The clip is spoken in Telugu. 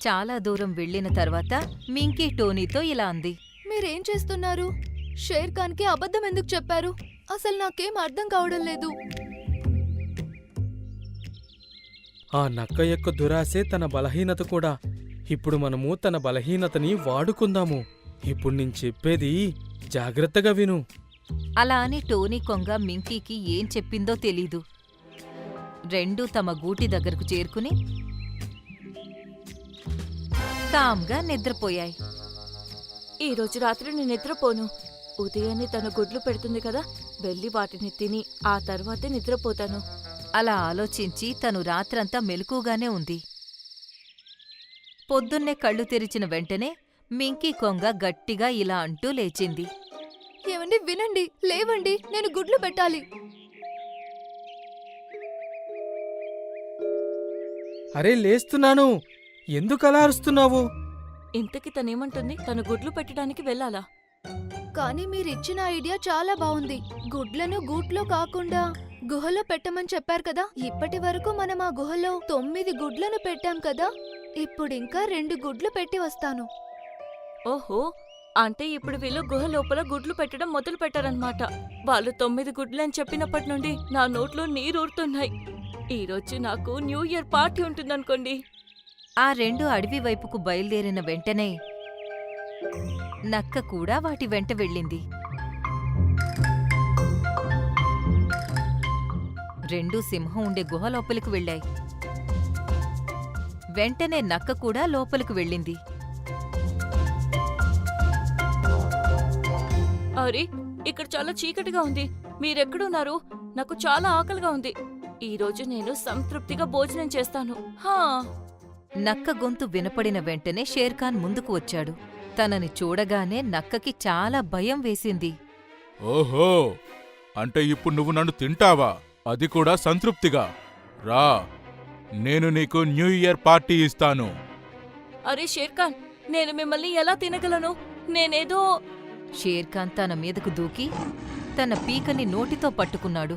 చాలా దూరం వెళ్ళిన తర్వాత మింకీ టోనీతో ఇలా అంది. మీరేం చేస్తున్నారు? షేర్ ఖాన్కి అబద్ధం ఎందుకు చెప్పారు? అసలు నాకేం అర్థం కావడం లేదు. ఆ నక్క యొక్క దురాశే తన బలహీనత కూడా. ఇప్పుడు మనము తన బలహీనతని వాడుకుందాము. ఇప్పుడు నేను చెప్పేది జాగ్రత్తగా విను. అలా అని టోనీ కొంగ మింకీకి ఏం చెప్పిందో తెలీదు. రెండూ తమ గూటి దగ్గరకు చేరుకుని కామ్గా నిద్రపోయాయి. ఈ రోజు రాత్రి నేను నిద్రపోను. ఉదయాన్నే తన గుడ్లు పెడుతుంది కదా, వెళ్ళి వాటిని తిని ఆ తర్వాతే నిద్రపోతాను. అలా ఆలోచించి తను రాత్రంతా మెలకుగానే ఉంది. పొద్దున్నే కళ్ళు తెరిచిన వెంటనే మింకీ కొంగ గట్టిగా ఇలా అంటూ లేచింది. ఏమండి, వినండి, లేవండి, నేను గుడ్లు పెట్టాలి. అరే లేస్తున్నాను, ఎందుకలా అరుస్తున్నావు? ఇంతకి తనేమంటుంది? తను గుడ్లు పెట్టడానికి వెళ్ళాలా? కానీ మీరిచ్చిన ఐడియా చాలా బాగుంది. గుడ్లను గూట్లో కాకుండా గుహలో పెట్టమని చెప్పారు కదా. ఇప్పటి వరకు మనం ఆ గుహలో 9 గుడ్లను పెట్టాం కదా. ఇప్పుడింకా 2 గుడ్లు పెట్టి వస్తాను. ఓహో, అంటే ఇప్పుడు వీళ్ళు గుహ లోపల గుడ్లు పెట్టడం మొదలు పెట్టారన్నమాట. వాళ్ళు 9 గుడ్లని చెప్పినప్పటి నుండి నా నోట్లో నీరూరుతున్నాయి. ఈరోజు నాకు న్యూ ఇయర్ పార్టీ ఉంటుందనుకోండి. ఆ 2 అడవి వైపుకు బయలుదేరిన వెంటనే నక్క కూడా వాటి వెంట వెళ్ళింది. 2 సింహం ఉండే గుహ లోపలికి వెళ్ళాయి. వెంటనే నక్క కూడా లోపలికి వెళ్ళింది. అరే, ఇక్కడ చాలా చీకటిగా ఉంది. మీరెక్కడున్నారు? నాకు చాలా ఆకలిగా ఉంది. ఈరోజు నేను సంతృప్తిగా భోజనం చేస్తాను. హా. నక్క గొంతు వినపడిన వెంటనే షేర్ఖాన్ ముందుకు వచ్చాడు. తనని చూడగానే నక్కకి చాలా భయం వేసింది. ఓహో, అంటే ఇప్పుడు నువ్వు నన్ను తింటావా? అది కూడా సంతృప్తిగా? రా, నేను నీకు న్యూ ఇయర్ పార్టీ ఇస్తాను. అరే షేర్ఖాన్, నేను మిమ్మల్ని ఎలా తినగలను? నేనేదో షేర్ఖాన్ తన మీదకు దూకి తన పీకని నోటితో పట్టుకున్నాడు.